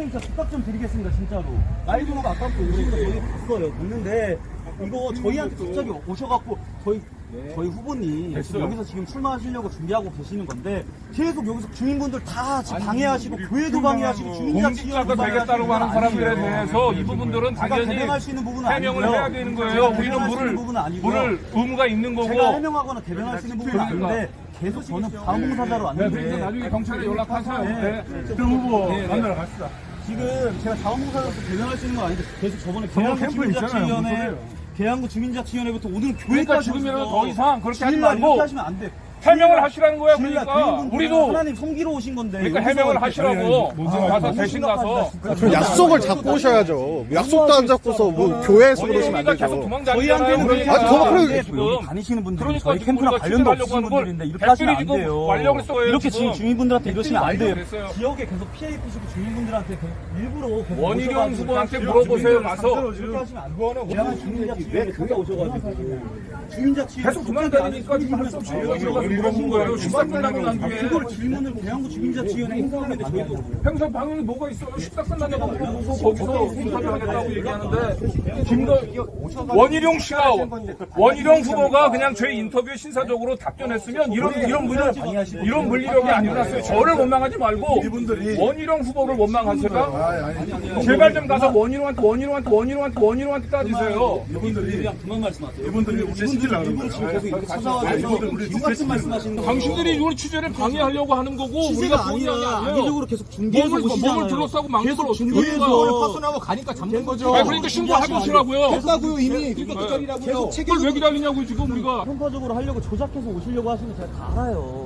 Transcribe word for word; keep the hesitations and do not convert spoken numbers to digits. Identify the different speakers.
Speaker 1: 선생님 진짜 부탁 좀 드리겠습니다 진짜로. 나이도 막 아깝고 오시니까 저희 봤어요. 봤는데 이거 저희한테 갑자기 오셔갖고 저희 네. 저희 후보님
Speaker 2: 됐어요.
Speaker 1: 여기서 지금 출마하시려고 준비하고 계시는 건데 계속 여기서 주민분들 다 지금 방해하시고 교회도 방해하시고 주민자
Speaker 2: 공직자가 되겠다고 하는 사람들에 대해서 이 부분들은 당연히
Speaker 1: 개명할 수 있는 부분은
Speaker 2: 해명을
Speaker 1: 아니고요.
Speaker 2: 해야 되는 거예요. 우리는 물을
Speaker 1: 부분은 아니고요.
Speaker 2: 물을 의무가 있는 거고.
Speaker 1: 제가 해명하거나 개명할 수 있는 부분은
Speaker 2: 그러니까.
Speaker 1: 아닌데 계속 저는 자원봉사자로
Speaker 2: 네, 그러니까
Speaker 1: 왔는데
Speaker 2: 나중에 경찰에 연락하세요.
Speaker 1: 네.
Speaker 2: 네.
Speaker 3: 그럼 후보
Speaker 1: 네, 네.
Speaker 3: 만나러 갑시다.
Speaker 1: 지금 제가 자원봉사자로서 개명할 수 있는 건 아닌데 계속 저번에
Speaker 3: 정말
Speaker 1: 계양구
Speaker 3: 캠프 있잖아요. 무슨
Speaker 1: 주민자치위원회
Speaker 3: 소리예요.
Speaker 1: 계양구 주민자치위원회부터 오늘
Speaker 2: 그러니까
Speaker 1: 교회까지
Speaker 2: 지금이라도
Speaker 1: 오셔서
Speaker 2: 더 이상 그렇게 하지
Speaker 1: 주일날 이렇게
Speaker 2: 말고
Speaker 1: 하시면 안 돼.
Speaker 2: 해명을 하시라는 거야.
Speaker 1: 주일날
Speaker 2: 그러니까
Speaker 1: 교인분들은
Speaker 2: 우리도
Speaker 1: 하나님 섬기러 오신 건데
Speaker 2: 그러니까
Speaker 1: 여기서
Speaker 2: 해명을
Speaker 1: 이렇게
Speaker 2: 하시라고
Speaker 3: 뭔지
Speaker 2: 가서
Speaker 1: 너무
Speaker 2: 대신 가서
Speaker 1: 심각합니다, 진짜.
Speaker 4: 그 약속을 잡고 오셔야죠. 약속도 안 잡고서 뭐 교회에서 그러시면 안
Speaker 2: 원희룡이가 계속
Speaker 4: 되죠.
Speaker 2: 도망다니잖아요.
Speaker 1: 저희한테는
Speaker 2: 그러니까.
Speaker 4: 아니, 저 그래-
Speaker 1: 근데
Speaker 2: 지금
Speaker 1: 여기 다니시는 분들이
Speaker 2: 그러니까
Speaker 1: 저희
Speaker 2: 지금
Speaker 1: 캠프랑
Speaker 2: 우리가
Speaker 1: 관련도
Speaker 2: 추진하려고
Speaker 1: 없으신
Speaker 2: 하는 걸
Speaker 1: 분들인데 이렇게 하시면 안
Speaker 2: 댓글이
Speaker 1: 돼요.
Speaker 2: 지금 완력을 써요,
Speaker 1: 이렇게
Speaker 2: 지금.
Speaker 1: 지금 주민분들한테 이러시면 안 돼요.
Speaker 2: 됐어요.
Speaker 1: 지역에 계속 피해 입히시고 주민분들한테 계속 일부러 계속
Speaker 2: 원희룡
Speaker 1: 오셔가지고
Speaker 2: 후보한테
Speaker 1: 이렇게
Speaker 2: 물어보세요. 가서
Speaker 1: 이렇게 하시면 안 돼요. 대한 주민자치위원회 그게 오셔가지고 주민자치위원회
Speaker 2: 계속 도망다니니까 지금 할 수 없이 여기 와서 물어본 거예요. 식사 끝나고 난 뒤에
Speaker 1: 그걸 질문을 대한구 주민자치위원회 행사하는데 저희도
Speaker 2: 행사 방향이 뭐가 있어요? 식사 끝나냐고 물어보고 거기서 행사하겠다고 얘기하는데 김도 원희룡 씨가 원희룡 후보가 그냥 제 인터뷰에 신사적으로 답변했으면 이런 이런 물리 이런 물리력이 안 일어났어요. 저를 원망하지 말고 원희룡 후보를 원망하세요. 제발 좀 가서 원희룡한테 원희룡한테 원희룡한테 원희룡한테 따지세요.
Speaker 1: 이분들이 그만 말씀하세요.
Speaker 3: 이분들이 우리 시키려고 그러는
Speaker 1: 지금
Speaker 3: 거예요.
Speaker 1: 계속 이렇게 찾아와서 똑같은 말씀하시는 거.
Speaker 2: 당신들이 이걸 취재를 방해하려고 하는 거고 우리가
Speaker 1: 취재가
Speaker 2: 본의
Speaker 1: 아니라
Speaker 2: 아니에요.
Speaker 1: 악의적으로 계속 중계해서
Speaker 2: 몸을
Speaker 1: 오시잖아요.
Speaker 2: 몸을 둘러싸고 막는 걸
Speaker 1: 계속
Speaker 2: 어떻게
Speaker 1: 중계해서
Speaker 2: 그러니까.
Speaker 5: 파손하고 가니까 잡는 거죠.
Speaker 2: 아 그러니까 신고해 보시라고요.
Speaker 5: 했다고요 이미. 그러니까 그 자리라고요.
Speaker 2: 그걸 왜 기다리냐고 지금 우리가.
Speaker 1: 평가적으로 하려고 조작해서 오시려고 하시는 거 제가 다 알아요.